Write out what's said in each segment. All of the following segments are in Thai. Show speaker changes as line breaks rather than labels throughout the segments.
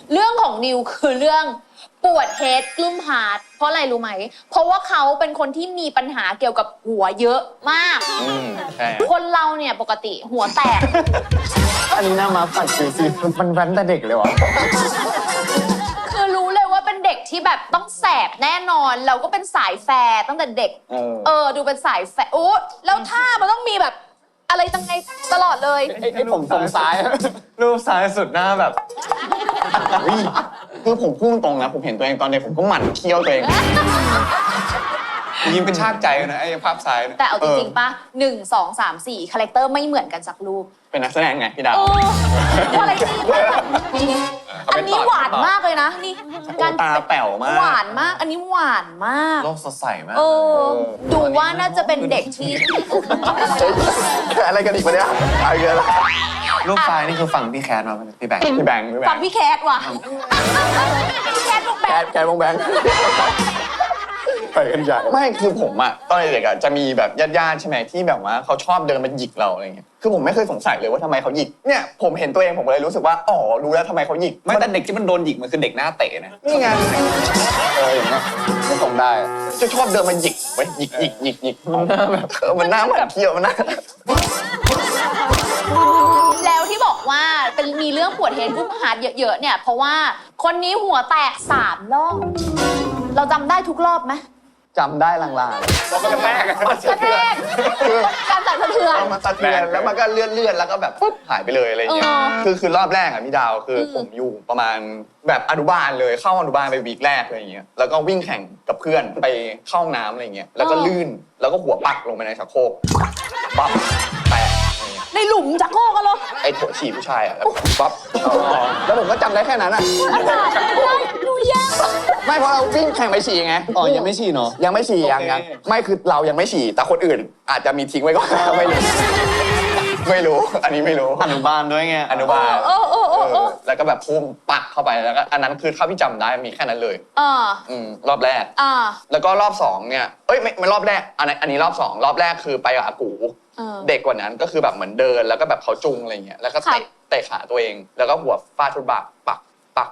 เรื่องของนิวคือเรื่องปวดเฮดกลุ้มฮาร์ทเพราะอะไรรู้ไหมเพราะว่าเขาเป็นคนที่มีปัญหาเกี่ยวกับหัวเยอะมากคนเราเนี่ยปกติหัวแตก
อันนี้น่ามาปัดสิมันแว้นแต่เด็กเลยวะ
คือรู้เลยว่าเป็นเด็กที่แบบต้องแสบแน่นอนเราก็เป็นสายแฟร์ตั้งแต่เด็กดูเป็นสายแฟร์โอ้แล้วท่ามันต้องมีแบบอะไรตั้งไงตลอดเลย
ไอ้ผมซ้ายรูปซ้ายสุดหน้าแบบ
คือผมพูดตรงนะผมเห็นตัวเองตอนเด็กผมก็หมั่นเคี้ยวตัวเองยิ้มเป็นชากใจนะไอ้ภาพซ้าย
แต่เอาจริงๆป่ะ1 2 3 4คาแรคเตอร์ไม่เหมือนกันสักรูป
เป็นนักแสดงไงพี่ดาว
อะไรที่อันนี้หวานมากเลยนะนี่
การตาแป๋วมาก
หวานมากอันนี้หวานมาก
โลกสดใสมาก
ดูว่าน่าจะเป็นเด็กที่
อะไรกันอีกวะเนี่ยอะไรกัน
รูปซ้ายนี่คือฝั่งพี่แคทมาพี่แบงค์
ฟังพี่แคทว่ะพี่แคทวงแบงค์
แคทวงแบงค์ไปกันใหญ่ไม่คือผมอะตอนเด็กอะจะมีแบบญาติๆใช่ไหมที่แบบว่าเขาชอบเดินมาหยิกเราอะไรเงี้ยคือผมไม่เคยสงสัยเลยว่าทำไมเขาหยิกเนี่ยผมเห็นตัวเองผมเลยรู้สึกว่าอ๋อรู้แล้วทำไมเขาหยิก
ไม่แต่เด็กที่มันโดนหยิกมันคือเด็กหน้าเตะนะ
นี่ไงอย่างเงี้ยไม่ส่งได้จะชอบเดินมาหยิกไว้หยิกมันหน้าแบบมันหน้าเหมือนเที่ยวมันหน้า
แล้วที่บอกว่าเป็นมีเรื่องปวดเฮดกลุ้มฮาร์ทเยอะๆเนี่ยเพราะว่าคนนี้หัวแตก3 รอบเราจำได้ทุกรอบไหม
จำได้ลางๆ
มันกระแทก
การสั่นสะเทือน
มันสะเทือนแล้วมันก็เลื่อนแล้วก็แบบปุ๊บหายไปเลยอะไรอย่างเงี้ยคือรอบแรกอะพี่ดาวคือผมอยู่ประมาณแบบอนุบาลเลยเข้าอนุบาลไปวีคแรกอะไรอย่างเงี้ยแล้วก็วิ่งแข่งกับเพื่อนไปเข้าห้องน้ำอะไรเงี้ยแล้วก็ลื่นแล้วก็หัวปักลงไปในชักโครกปั๊บแตก
ในหลุมชักโครกกันเหรอ
ไอ้ถั่วฉี่ผู้ชายอะปั๊บแล้วผมก็จำได้แค่นั้นอะ
ดูยาก
ไม่เพราะเราวิ่งแข่งไปฉี่ไง
ยังไม่ฉี่เนาะ
ยังไม่ฉี่ยังไม่คือเรายังไม่ฉี่แต่คนอื่นอาจจะมีทิ้งไว้ก็ไม่รู้อันนี้ไม่รู้
อนุบาลด้วยไง
อนุบาลแล้วก็แบบพุ่งปักเข้าไปแล้วก็อันนั้นคือเท่าที่จำได้มีแค่นั้นเลยรอบแรกแล้วก็รอบ2เนี่ยไม่รอบแรกอันนี้รอบ2รอบแรกคือไปกับอากูเด็กกว่านั้นก็คือแบบเหมือนเดินแล้วก็แบบเขาจุงอะไรเงี้ยแล้วก็เตะขาตัวเองแล้วก็หัวฟาดฟุตบาทปัก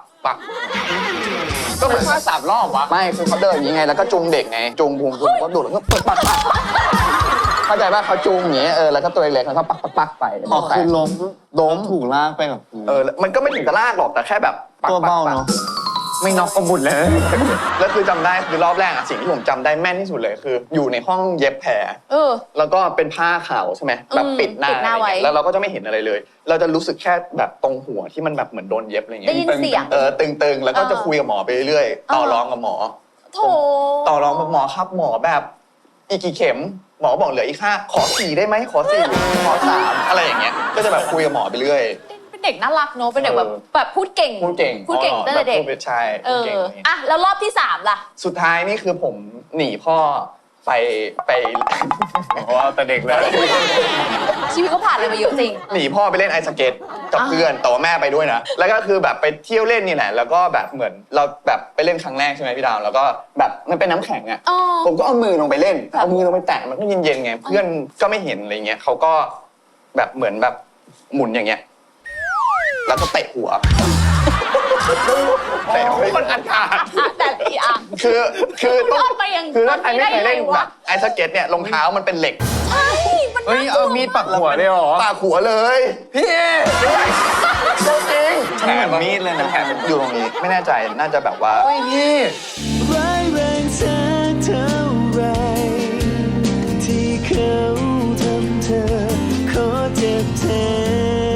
ก็เป็นท่า3 รอบวะ
ไม่คือเขาเดินอย่างงี้ไงแล้วก็จุงเด็กไงจุงพุงก็ดูดแล้วก็ปักเข้าใจป่ะเขาจุงอย่างเงี้ยแล้วก็ตัวเล็กๆแล้วก็ปักไป
คือล้มถูกลากไปกับ
มันก็ไม่ถึงกับลากหรอกแต่แค่แบบ
ตัวเบาเนาะ
ไม่น็อกก็บุญเลยแล้วคือจำได้คือรอบแรกอะสิ่งที่ผมจำได้แม่นที่สุดเลยคืออยู่ในห้องเย็บแผลแล้วก็เป็นผ้าขาวใช่ไหมแบบปิดหน้าไว้แล้วเราก็จะไม่เห็นอะไรเลยเราจะรู้สึกแค่แบบตรงหัวที่มันแบบเหมือนโดนเย็บอะไรเงี้ย
ได้ยินเสียง
ตึงๆแล้วก็จะคุยกับหมอไปเรื่อยๆต่อรองกับหมอต่อรองกับหมอครับหมอแบบอีกกี่เข็มหมอบอกเหลืออีก5ขอ4ได้ไหมขอ4ขอ3อะไรอย่างเงี้ยก็จะแบบคุยกับหมอไปเรื่อย
เด็กน่ารักเนอะเป็นเด็กแบบพูดเก่งตั้งแต่เด็ก
ใช่
เก่งอ่ะแล้วรอบที่3ล่ะ
สุดท้ายนี่คือผมหนีพ่อไป
เพราะว่าแต่เด็กแล้ว
ชีวิตเขาผ่านอะไรมาเยอะจริง
หนีพ่อไปเล่นไอสเก็ตกับเพื่อนแต่ว่าแม่ไปด้วยนะแล้วก็คือแบบไปเที่ยวเล่นนี่แหละแล้วก็แบบเหมือนเราแบบไปเล่นครั้งแรกใช่ไหมพี่ดาวแล้วก็แบบมันเป็นน้ำแข็งอ่ะผมก็เอามือลงไปเล่นเอามือลงไปแตะมันก็เย็นๆไงเพื่อนก็ไม่เห็นอะไรเงี้ยเขาก็แบบเหมือนแบบหมุนอย่างเงี้ยแล้วก็เตะหัวเตะคนอันขาด
แต่อีอ่ะ
คือต้องคือถ้าใครไม่เคยเล่นแบบไอสเก็ตเนี่ยรองเท้ามันเป็นเหล็ก
ใช่มัน
เอามีดปักหัวเลยเหรอ
ปักหัวเลยพี่จริง
แขนมีดเลยนะ
แขนอยู่ตรงนี้ไม่แน่ใจน่าจะแบบว่า
พี่
ร้ายแรงสักเท่าไรที่เขาทำเธอขอเจ็บแทน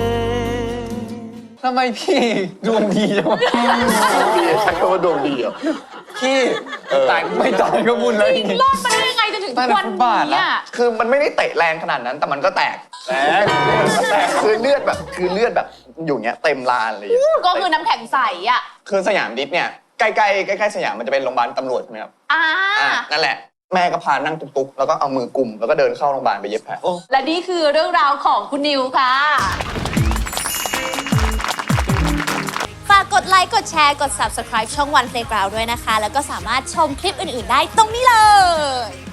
ทำไมพี่ดวงดีจังวะ
พี่ใช้คำว่าดวงดีเหรอ
พี่ตายไม่ตายก็บุญเลย
รอดมาได้ยังไงจนถึงทุกวันนี้
คือมันไม่ได้เตะแรงขนาดนั้นแต่มันก็แตกคือเลือดแบบอยู่เงี้ยเต็มลานเลย
ก็คือน้ำแข็งใสอ่ะ
คือสยามดิฟเนี่ยใกล้สยามมันจะเป็นโรงพยาบาลตำรวจใช่ไหมครับนั่นแหละแม่ก็พานั่งตุ๊กๆแล้วก็เอามือกุมแล้วก็เดินเข้าโรงพยาบาลไปเย็บแผล
และนี่คือเรื่องราวของคุณนิวค่ะฝากกดไลค์กดแชร์กด Subscribe ช่อง One Playground ด้วยนะคะแล้วก็สามารถชมคลิปอื่นๆได้ตรงนี้เลย